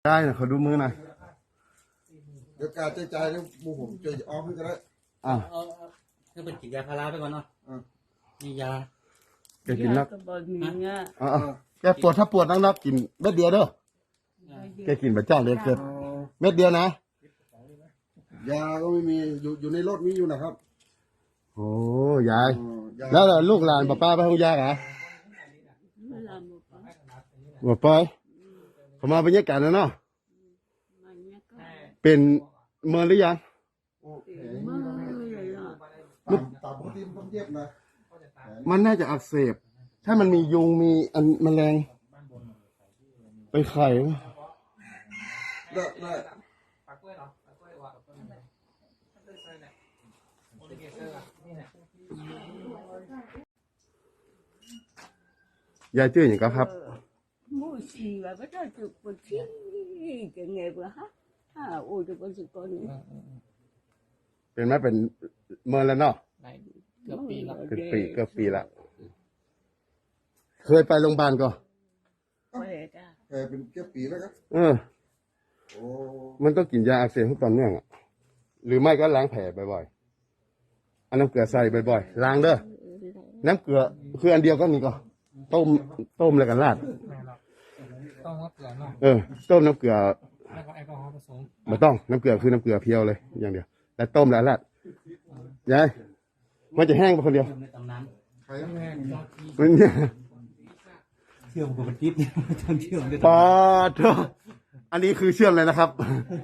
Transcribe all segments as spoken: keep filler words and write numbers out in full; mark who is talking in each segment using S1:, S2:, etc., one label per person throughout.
S1: ได้นะเขาดูมือหน่อย
S2: เดี๋ยวการใจใจแล้วบูผมเจอออมก็ได้
S1: อ่า
S3: คือเป็นกินยาพาราไปก่อนเนาะมียา
S1: แกกินนัก
S4: อ่า
S1: แกปวดถ้าปวดนักนักกินเม็ดเดียวเด้อแกกินแบบเจ้าเลยเกิดเม็ดเดียวนะ
S2: ยาก็ไม่มีอยู่อยู่ในรถมีอยู่นะครับ
S1: โอ้ยายแล้วลูกหลานป้าป้าไปห้องยาเหรอบ่ไปเขามาบรรยากาศแล้วเนาะเป็นเมื่อหรือยัง
S2: ตามปกติมันต้องเย็บนะ
S1: มันน่าจะอักเสบถ้ามันมียุงมีอันแมลงไปไข่
S2: ได้ได้
S1: ยายชื่ออย่างก็ครับ
S4: มูสีว่าก็จะจุดปวดที่จะไงบ้างฮะอ่าโอ้จะเป็นสุดคนนี้
S1: เป็นไหมเป็นเมื่อแล้วเนาะ
S3: เกือบปีละ
S1: เกือบปีเกือบปีละเคยไปโรงพยาบาลก็
S2: เคยเป็นเกือบปีแล้วครับ
S1: เออโอ้มันต้องกินยาอักเสบทุกตอนเนื่องอ่ะหรือไม่ก็ล้างแผลบ่อยๆอันน้ำเกลือใส่บ่อยๆล้างเด้อน้ำเกลือคืออันเดียวก็นี่ก็ต้มต้มแล้วกันราด
S3: ต้องน้ำเกลือเนาะ
S1: เออต้มน้ำเกลือ
S3: แล้วก็แอลกอฮอล์ผสม
S1: ไม่ต้องน้ำเกลือคือน้ำเกลือเพียวเลยอย่างเดียวแล้วต้มแล้วราดยายมันจะแห้งไปคนเดียว
S3: ในตำนาน
S2: ใครแห้ง
S1: มันเนี่ย
S3: เชื่อมกับจิ๊บเนี่ยต้องเชื่อม
S1: ปอดอันนี้คือเชื่อมเลยนะครับ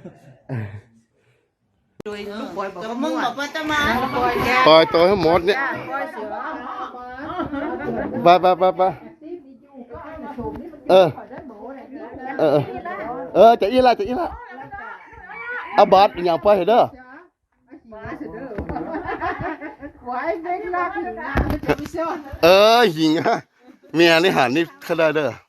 S4: กับมึงบอกว่าจะมา
S1: ปล่อยตัวให้หมดเนี่ยไปไปไปไปเออเออเออจะอีละจะอีละเอาบาดอย่างไปเด้อเออหิงฮะเมียนี่หันนี่เขาได้เด้อ